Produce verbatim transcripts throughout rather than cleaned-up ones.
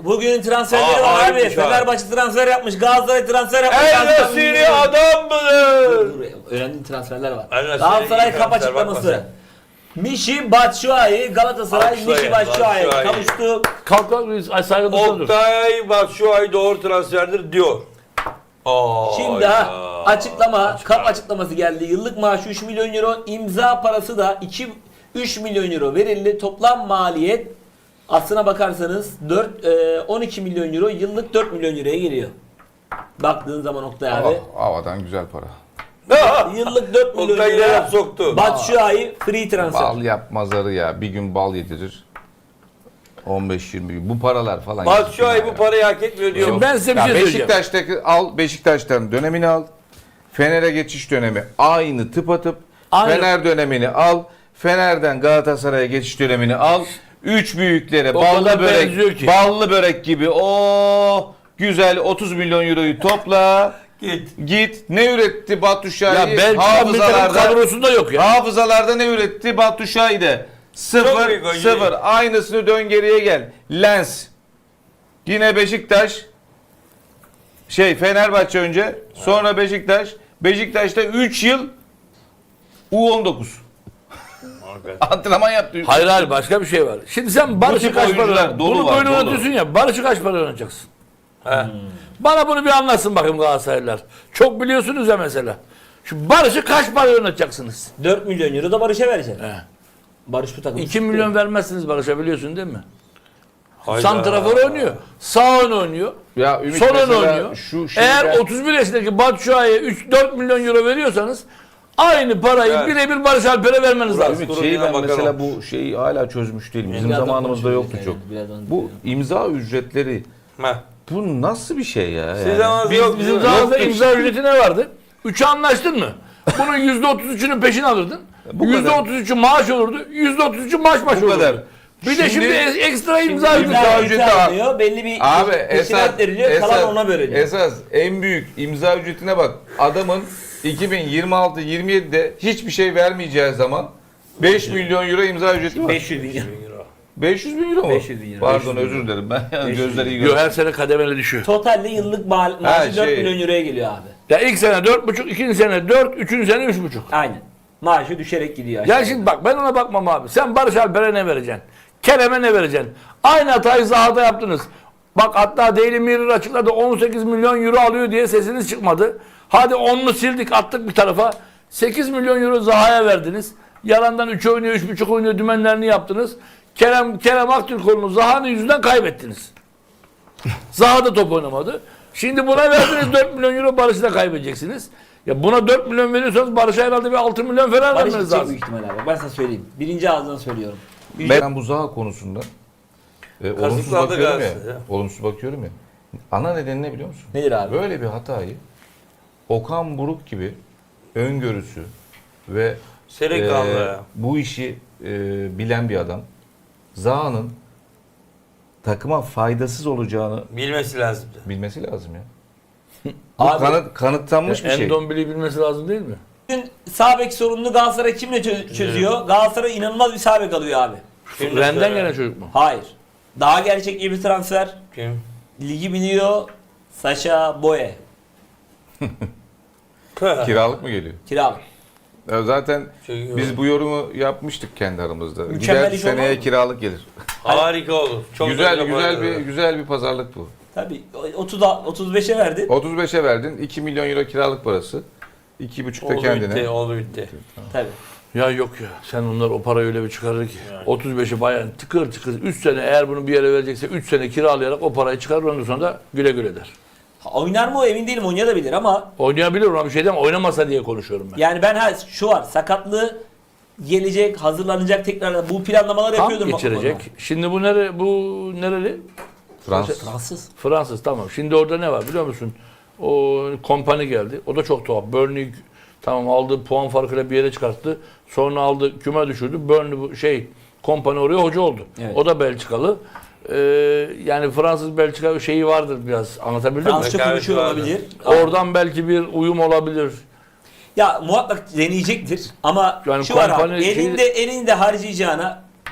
Bugün transferleri Aa, var abi. harika. Fenerbahçe transfer yapmış. Galatasaray transfer yapmış. El Nesiri adam mıdır? Önemli transferler var. El Nesiri Galatasaray iyi kap transfer, açıklaması. bakma sen. Mişi Batshuayi Galatasaray Batshuayi, Mişi Batshuayi Batshuayi. kavuştu. Kalk kalk biz ay saygı duyuyoruz. Oktay Batshuayi doğru transferdir diyor. Aa, Şimdi ya. ha, açıklama, kap açıklaması geldi. Yıllık maaşı üç milyon euro, imza parası da iki üç milyon euro verildi. Toplam maliyet aslına bakarsanız dört on iki milyon euro, yıllık dört milyon euroya geliyor. Baktığın zaman Oktay abi. Oh, havadan güzel para. Yıllık dört milyon Oktay yine euro. laf soktu. Batshuayi free transfer. Bal yapmazları ya. Bir gün bal yedirir. on beş yirmi gün. Bu paralar falan. Batshuayi ya. bu parayı hak etmiyor diyor. Şimdi ben size bir Ya şey söyleyeceğim. Beşiktaş'taki al, Beşiktaş'tan dönemini al. Fener'e geçiş dönemi aynı tıpatıp. Aynı. Fener dönemini al. Fener'den Galatasaray'a geçiş dönemini al. Üç büyüklere O ballı kadar börek, benziyor ki. ballı börek gibi o güzel otuz milyon euroyu topla. Git. Git. Ne üretti Batshuayi? Ya Belçika milli takım kadrosunda yok ya. Hafızalarda ne üretti Batshuayi de? Sıfır, Çok iyi golcü. sıfır. Aynısını dön geriye gel. Lens. Yine Beşiktaş. Şey Fenerbahçe önce. Sonra Beşiktaş. Beşiktaş'ta üç yıl U on dokuz. Antrenman yaptı. Hayır hayır başka bir şey var. Şimdi sen Barış'ı tip kaç para oyuncular öğren- dolu Bunu var, böyle dolu. öğretiyorsun ya. Barış'ı kaç para öğreneceksin? He. Bana bunu bir anlatsın bakayım Galatasaraylılar. Çok biliyorsunuz ya mesela. Şu Barış'ı kaç para öğreteceksiniz? dört milyon euro da Barış'a verecek. He. Barış bu takım. iki milyon vermezsiniz Barış'a biliyorsun değil mi? Hayda. Santrafor oynuyor. Sağ ön oynuyor. Ya Ümit Sol ön mesela oynuyor. şu şeyi Eğer ben- otuz bir yaşındaki Batshuayi'ye üç dört milyon euro veriyorsanız aynı parayı Evet. birebir Barış Alper'e vermeniz lazım. Ümit Durun şeyi yine ben bakalım. mesela bu şeyi hala çözmüş değilim. Bizim Birazdan zamanımızda konuşuruz yoktu yani, çok. birazdan Bu konuşuruz. imza ücretleri Heh. bu nasıl bir şey ya? Siz yani? zamanınızda Biz, yok. bizim Yok. zamanımızda imza ücreti ne vardı? Üçe anlaştın mı? Bunun yüzde otuz üçünü peşin alırdın. Bu Yüzde kadar. otuz üçü maaş olurdu. Yüzde otuz üçü maaş başı Bu olurdu. kadar. Bir de şimdi Şimdi- e- ekstra imza Şimdi ücreti. imza İmza ücreti ücreti al. alınıyor. Belli bir Abi peşinat esas, veriliyor. esas, Kalan ona veriliyor. esas en büyük imza ücretine bak. Adamın iki bin yirmi altı yirmi yedide hiçbir şey vermeyeceği zaman beş milyon euro imza ücreti var. beş yüz bin euro. beş yüz bin euro mu? beş yüz bin euro. Pardon beş yüz bin özür dilerim ben beş yüz gözleri iyi Yo, görüyorum. her sene kademeli düşüyor. Totalde yıllık ma Ha, maaşı dört şey. milyon euroya geliyor abi. Ya ilk sene dört buçuk, ikinci sene dört, üçüncü sene üç buçuk. Aynen. Maaşı düşerek gidiyor aşağı. Ya şimdi bak ben ona bakmam abi. Sen Barış Alper'e ne vereceksin? Kerem'e ne vereceksin? Aynı hatayı Zaha'da yaptınız. Bak hatta Daily Mirror açıkladı on sekiz milyon euro alıyor diye sesiniz çıkmadı. Hadi onunu sildik attık bir tarafa. sekiz milyon euro Zaha'ya verdiniz. Yalandan üç oynuyor, üç buçuk oynuyor dümenlerini yaptınız. Kerem Kerem Aktürkoğlu'nu Zaha'nın yüzünden kaybettiniz. Zaha da top oynamadı. Şimdi buna verdiniz dört milyon euro Barış'ı da kaybedeceksiniz. Ya buna dört milyon veriyorsanız Barış'a herhalde bir altı milyon falan Barış vermeniz gidecek lazım. büyük ihtimal abi. Ben sana söyleyeyim. Birinci ağızdan söylüyorum. Ben bu Zaha konusunda e, olumsuz Kazıkladı bakıyorum ya. Galatasaray. Olumsuz bakıyorum ya. Ana nedeni ne biliyor musun? Nedir abi? Böyle bir hatayı Okan Buruk gibi öngörüsü ve Serin e, kaldı ya. bu işi e, bilen bir adam Zaha'nın takıma faydasız olacağını Bilmesi lazımdı. bilmesi lazım ya. Bu Abi- kanıt, kanıtlanmış bir şey. Endombele'yi bilmesi lazım değil mi? Bugün sağ bek sorununu Galatasaray kimle çö- çözüyor? Galatasaray inanılmaz bir sağ bek alıyor abi. Kim Renden söyle? gelen çocuk mu? Hayır. Daha gerçekçi bir transfer. Kim? Ligi biliyor. Sacha Boye. Kiralık mı geliyor? Kiralık. Ya zaten Çok biz bu yorumu yapmıştık kendi aramızda. Mükemmel Gider iş olmaz seneye mı? kiralık gelir. Harika olur. Çok güzel da güzel bir yaparlar. güzel bir pazarlık bu. Tabii otuz otuz beşe verdi. otuz beşe verdin. iki milyon euro kiralık parası. iki buçuk da Oldu kendine. bitti, oldu bitti. Tabii. Ya yok ya. Sen onlar o parayı öyle bir çıkarır ki. otuz beşi bayan tıkır tıkır üç sene eğer bunu bir yere verecekse üç sene kiralayarak o parayı çıkarır ondan sonra da güle güle der. Ha, oynar mı o emin değilim, oynayabilir ama Oynayabilir ama bir şey diyemem. Oynamasa diye konuşuyorum ben. yani ben ha, şu var, sakatlığı gelecek, hazırlanacak, tekrar bu planlamaları Tam yapıyordur. geçirecek. Şimdi bu nere bu nereli? Fransız. Fransız. Fransız tamam. Şimdi orada ne var biliyor musun? O kompani geldi. O da çok tuhaf. Burnley tamam aldı puan farkıyla bir yere çıkarttı. Sonra aldı küme düşürdü. Burnley bu şey kompani oraya hoca oldu. Evet. O da Belçikalı. Ee, yani Fransız Belçika şeyi vardır biraz. Anlatabildim mi? Fransızca Rekabet konuşuyor vardı. olabilir. Oradan belki bir uyum olabilir. Ya muhakkak deneyecektir ama Yani şu var abi, kompani- elinde elinde harcayacağına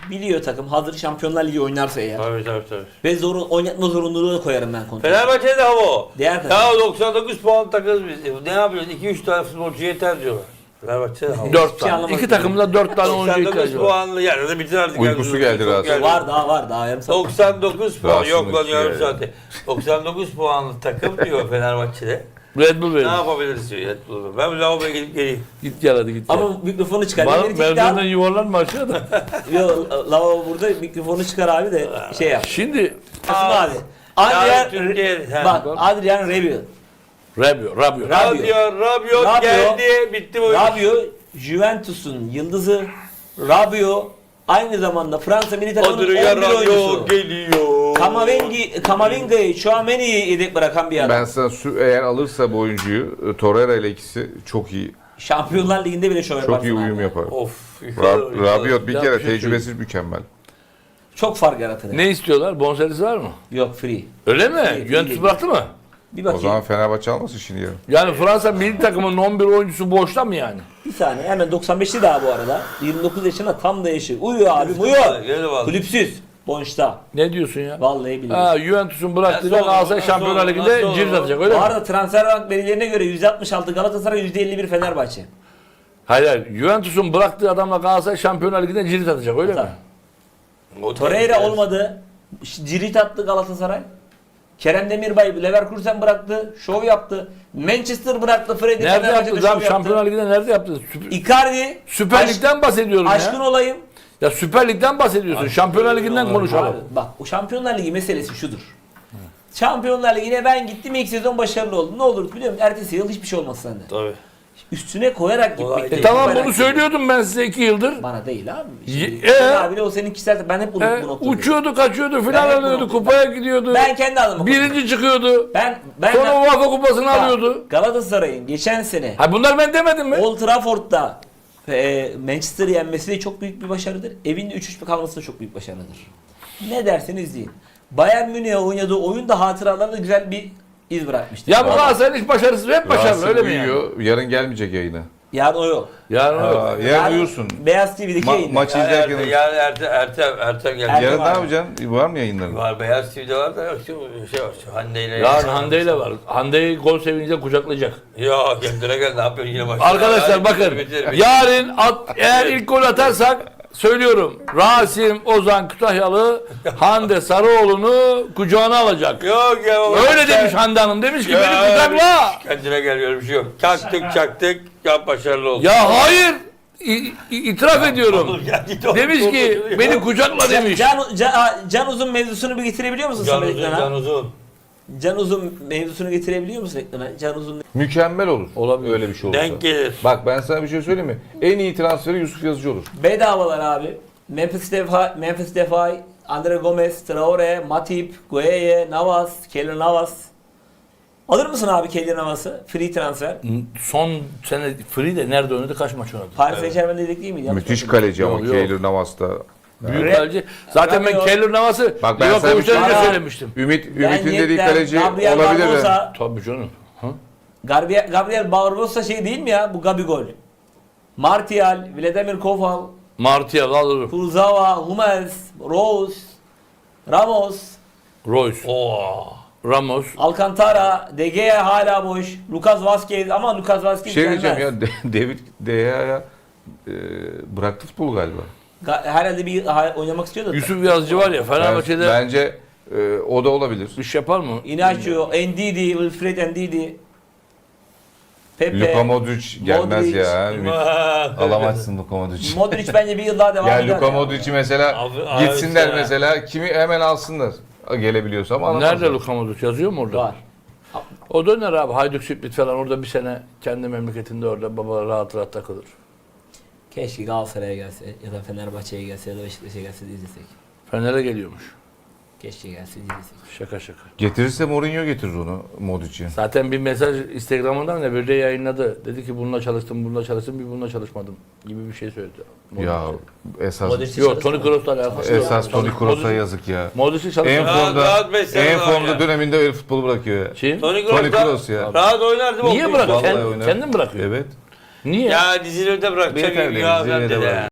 biliyor takım. Hazır Şampiyonlar Ligi oynarsa eğer. Tabii tabii tabii. Ve zorun, oynatma zorunluluğu da koyarım ben kontratı. Fenerbahçe'de hava o. Diğer Ya takım. doksan dokuz puan takırız biz. E, Ne yapıyoruz? iki üç tane futbolcu yeter diyorlar. Fenerbahçe'de hava. dört şey tane. anlamadım. İki takımda dört tane oyuncu doksan dokuz ihtiyacı var. puanlı yerde bitir artık. Uykusu geldi Çok Rasim. Var daha var daha yarım saat. doksan dokuz puan Rasim yok lan uykusu yarım geldi. saate. doksan dokuz puanlı takım diyor Fenerbahçe'de. Red Bull Ne verin. yapabiliriz diyor Red Bull'u. Ben bir lavaboya gidip geleyim. Git gel hadi git gel. Ama mikrofonu çıkar. Bana Beni çekti merdivenden abi. yuvarlanma aşağıda. Yo, lavabo burada mikrofonu çıkar abi de şey yap. Şimdi Kasım abi. Yani Adrian, Türkiye- he. bak Adrian Rabiot. Rabio, Rabio. Rabiot. Rabiot, Rabiot Rabiot. geldi. Bitti bu iş. Rabiot, Juventus'un yıldızı. Rabiot aynı zamanda Fransa milli takımının on bir Adrian oyuncusu. Rabiot geliyor. Kamavingi, Kamavinga'yı şu an iyi yedek bırakan bir adam. Ben sana sü- eğer alırsa bu oyuncuyu e, Torreira ile ikisi çok iyi Şampiyonlar Ligi'nde bile şov yaparsın çok iyi uyum abi. yapar. Of. Ra- Rabiot bir Ya kere bir şey tecrübesiz mükemmel. Çok fark yaratır. Ne istiyorlar? Bonservis var mı? Yok free. Öyle mi? İyi, iyi, Juventus iyi. bıraktı mı? Bir O bakayım. zaman Fenerbahçe almasın şimdi yarın. Yani Fransa milli takımının on bir oyuncusu boşta mı yani? Bir saniye hemen doksan beşli daha bu arada. yirmi dokuz yaşında tam da yaşı. Uyuyor abi uyuyor. Gel vallahi. Kulüpsüz. Bonşta. Ne diyorsun ya? Vallahi biliyorum. Ha, Juventus'un bıraktığıyla Nasıl olur, Galatasaray nasıl Şampiyonlar olur, Ligi'nde nasıl cirit olur? atacak öyle Bu mi? arada transfer verilerine göre yüzde altmış altı Galatasaray, yüzde elli bir Fenerbahçe. Hayır hayır. Juventus'un bıraktığı adamla Galatasaray Şampiyonlar Ligi'nde cirit atacak öyle mi? Tabii. O Torreira tehlikeli. olmadı. Cirit attı Galatasaray. Kerem Demirbay Leverkusen bıraktı. Şov yaptı. Manchester bıraktı. Freddy Nerede Fenerbahçe'de yaptı? şov Abi Şampiyonlar yaptı. Ligi'nde nerede yaptı? Süper, Icardi. Süper aşk- Lig'den bahsediyorum Aşkın ya. olayım. Ya Süper Lig'den bahsediyorsun. Şampiyonlar Ligi'nden Abi, konuşalım. Abi, bak o Şampiyonlar Ligi meselesi şudur. Şampiyonlar Ligi'ne ben gittim ilk sezon başarılı oldum. Ne olur biliyor musun? Ertesi yıl hiçbir şey olmaz sende. Tabii. Üstüne koyarak Kolay gitmek. değil. E tamam koyarak bunu gitmek. söylüyordum ben size iki yıldır. Bana değil abi. Ye- Şimdi, ee? Sen abi de o senin kişisel ben hep bunu, E, bu noktada. uçuyordu, kaçıyordu, Ben final hep alıyordu, bunu- kupaya gidiyordu. Ben kendi adıma Birinci çıkıyordu. Ben ben Sonra UEFA kupasını Bak, alıyordu. Galatasaray'ın geçen sene Ha bunlar ben demedim mi? Old Trafford'da e, Manchester'ı yenmesi de çok büyük bir başarıdır. Evinde üç üç kalması da çok büyük başarıdır. Ne derseniz deyin. Bayern Münih'e oynadığı oyun da hatıralarında güzel bir iz bırakmıştır. Ya bu Galatasaray'ın hiç başarısız hep başarılı Rasim öyle mi yani? uyuyor. Yarın gelmeyecek yayına. Yani o yok. Yani o yok. Aa, yarın uyursun. Beyaz T V'deki Ma- yayın. maç Yani izlerken Ertem, yani Ertem, Ertem, Ertem geldi. Ertem yarın ne var. yapacaksın? Var mı yayınların? Var Beyaz T V'de var da yok şu şey var şu Hande ile. Yarın Hande ile var. Hande'yi gol sevince kucaklayacak. Ya kendine gel ne yapıyorsun yine başla. Arkadaşlar Hadi, bakın bitir, bitir. yarın at, eğer ilk gol atarsak söylüyorum Rasim Ozan Kütahyalı Hande Sarıoğlu'nu kucağına alacak. Yok ya. Öyle sen- demiş Hande Hanım. Demiş ki Ya, beni kucakla. Kendine gel böyle bir şey yok. Çaktık çaktık ya başarılı olduk. Ya hayır. İ- i- itiraf ediyorum. Oğlum ya git oğlum, Demiş ki oğlum, beni ya. kucakla demiş. Can, Can, Can Uzun mevzusunu bir getirebiliyor musun Can Samet uzun, ekrana? can uzun. Can Uzun mevzusunu getirebiliyor musun ekrana? Can Uzun Mükemmel olur. Olabilir. Öyle bir şey olursa. Denk gelir. Bak ben sana bir şey söyleyeyim mi? En iyi transferi Yusuf Yazıcı olur. bedavalar abi. Memphis Depay, Memphis Depay, Andre Gomez, Traore, Matip, Gueye, Navas, Keylor Navas. Alır mısın abi Keylor Navas'ı? Free transfer. Son sene Free de nerede oynadı kaç maç oynadı? Paris Saint Germain'de dedik değil miydi? Yanlış Müthiş hatırlıyorum. kaleci ama Yok, yok. Keylor Navas'ta. Büyük Re- kaleci. Zaten ben Rabiot. Keylor Navas'ı Bak ben sana bir Livakovic'den şey önce söyleyeyim. söylemiştim. Ümit, Ben Ümit'in dediği Yedder, kaleci Gabriel olabilir de. Barbosa, Tabii canım. Ha? Gabriel, Gabriel Barbosa şey değil mi ya? Bu Gabigol. Martial, Vladimir Koval, Martial alır. Kurzawa, Hummels, Rose, Ramos, Royce, Oo. Ramos. Alcantara, De Gea hala boş, Lucas Vazquez ama Lucas Vazquez Bir şey gelmez. diyeceğim ya De- David De Gea'ya e, bıraktı futbolu galiba. Ga- Herhalde bir ha- oynamak istiyor da. Yusuf Yazıcı var ya Fenerbahçe'de Ben- Bence e, o da olabilir. iş yapar mı? Inacio, Ndidi, Wilfred Ndidi, Pepe, Luka Modric gelmez Modric. ya. Ümit. Alamazsın Luka Modric. Modric bence bir yıl daha devam Ya eder. Luka Modric'i mesela Abi- abi gitsinler işte. mesela kimi hemen alsınlar. Gelebiliyorsa ama alamazlar. Nerede Luka Modric yazıyor mu orada? Var. O döner abi Hayduk Split falan orada bir sene kendi memleketinde orada baba rahat rahat takılır. Keşke Galatasaray'a gelse ya da Fenerbahçe'ye gelse ya da Beşiktaş'a gelse de izlesek. Fener'e geliyormuş. Keşke gelse de izlesek. Şaka şaka. Getirirse Mourinho getirir onu Modric'i. Zaten bir mesaj Instagram'dan ne bir de yayınladı. Dedi ki bununla çalıştım, bununla çalıştım, bir bununla çalışmadım gibi bir şey söyledi. Ya esas Modric- Yok Toni Kroos'la alakası yok. esas Toni Kroos'a Modric- yazık ya. Modric'i En çalıştı. Rahat- formda rahat beş sene en var formda ya. döneminde öyle futbolu bırakıyor ya. Kim? Toni Toni Kroos Kroos ya. rahat oynar değil mi? Niye O bırakıyor? Vallahi Kend- oynar. kendin bırakıyor. Evet. Niye? Ya dizilerde bırakacak Yeter gibi be, ya dizilerde ben de bırak. ya.